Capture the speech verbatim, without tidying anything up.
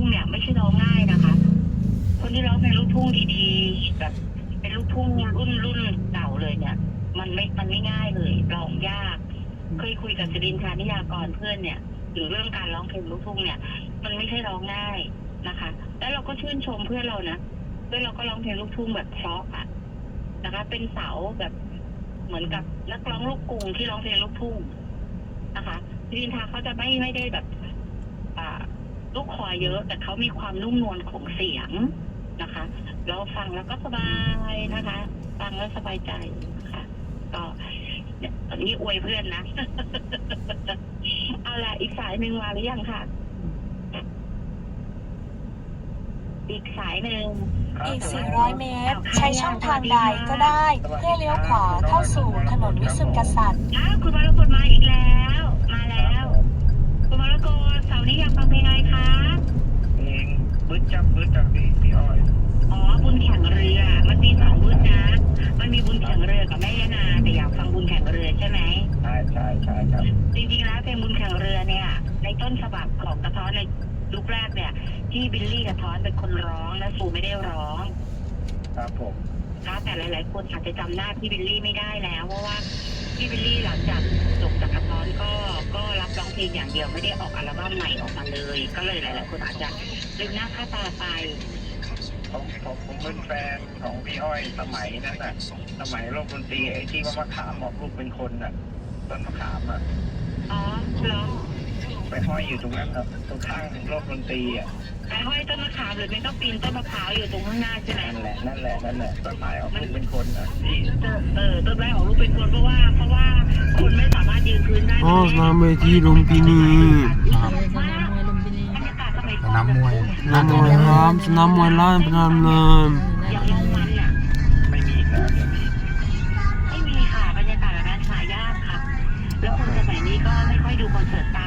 เนี่ยไม่ใช่ร้องง่ายนะคะคนที่ร้องเพลงลูกทุ่งดีๆแบบเป็นลูกทุ่งรุ่นรุ่นเก่าเลยเนี่ยมันไม่มันไม่ง่ายเลยร้องยากเคยคุยกับศิรินทรานิยากรเพื่อนเนี่ยถึงเรื่องการร้องเพลงลูกทุ่งเนี่ยมันไม่ใช่ร้องง่ายนะคะแล้วเราก็ชื่นชมเพื่อนเรานะเพื่อนเราก็ร้องเพลงลูกทุ่งแบบเพราะอ่ะนะคะเป็นเสาแบบเหมือนกับนักร้องลูกกรุงที่ร้องเพลงลูกทุ่งนะคะศิรินทราเขาจะไม่ไม่ได้แบบอ่าลูกคอเยอะแต่เขามีความนุ่มนวลของเสียงนะคะเราฟังแล้วก็สบายนะคะฟังแล้วสบายใจนะคะก็เนี่ยตอนนี้อวยเพื่อนนะ เอาละอีกสายหนึ่งมาหรือยังคะอีกสายหนึ่งอีก สี่ร้อย เมตร ใช้ช่องทางใดก็ได้เพื่อเลี้ยวขวาเข้าสู่ถนนวิสุทธิกษัตริย์อ้าวคุณมรกตมาอีกแล้วมาแล้วคุณมรกตเสาร์นี้อยากฟังเพลงอะไรคะเพลงบึ้ดจับบึ้ดจับพี่พี่อ้อยอ๋อบุญแข่งเรือมันมีสองบุญนะมันมีบุญแข่งเรือกับแม่ยานาแต่อยากฟังบุญแข่งเรือใช่ไหมใช่ใช่ใช่ครับจริงๆแล้วเพลงบุญแข่งเรือเนี่ยในต้นฉบับของกระท้อนในยุคแรกเนี่ยที่บิลลี่กระท้อนเป็นคนร้องและซูไม่ได้ร้องครับผมนะแต่หลายๆคนอาจจะจำหน้าพี่บิลลี่ไม่ได้แล้วเพราะว่าพี่บิลลี่หลังจากจบจากกระท้อนก็ก็รับร้องเพลงอย่างเดียวไม่ได้ออกอัลบั้มใหม่ออกมาเลยก็เลยหลายๆคนอาจจะลืมหน้าค่าตาไปผมผมผมเป็นแฟนของพี่อ้อยสมัยนั้นน่ะสมัยโลกดนตรีไอ้ที่ว่ามะขามบอกลูกเป็นคนน่ะต้นมะขามอ่ะอ๋อเหรอไปห้อยอยู่ตรงนั้นครับตรงข้างโลกดนตรีอ่ะไอ้ห้อยต้นมะขามหรือไม่ก็ปีนต้นมะพร้าวอยู่ตรงข้างหน้าใช่ไหมนั่นแหละนั่นแหละนั่นแหละต้นไม้ออกลูกเป็นคนอ่ะที่เออต้นไม้ออกลูกเป็นคนเพราะว่าเพราะว่าคนไม่สามารถยืนพื้นได้อ๋อสนามเวทีลุมพินีสนามมวยสนามมวยครับสนามมวยล้านพนามเนินอย่างลงมันอ่ะไม่มีแล้วเดี๋ยวนี้ไม่มีค่ะบรรยากาศแบบนั้นหายากค่ะแล้วคนสมัยนี้ก็ไม่ค่อยดูคอนเสิร์ตตาม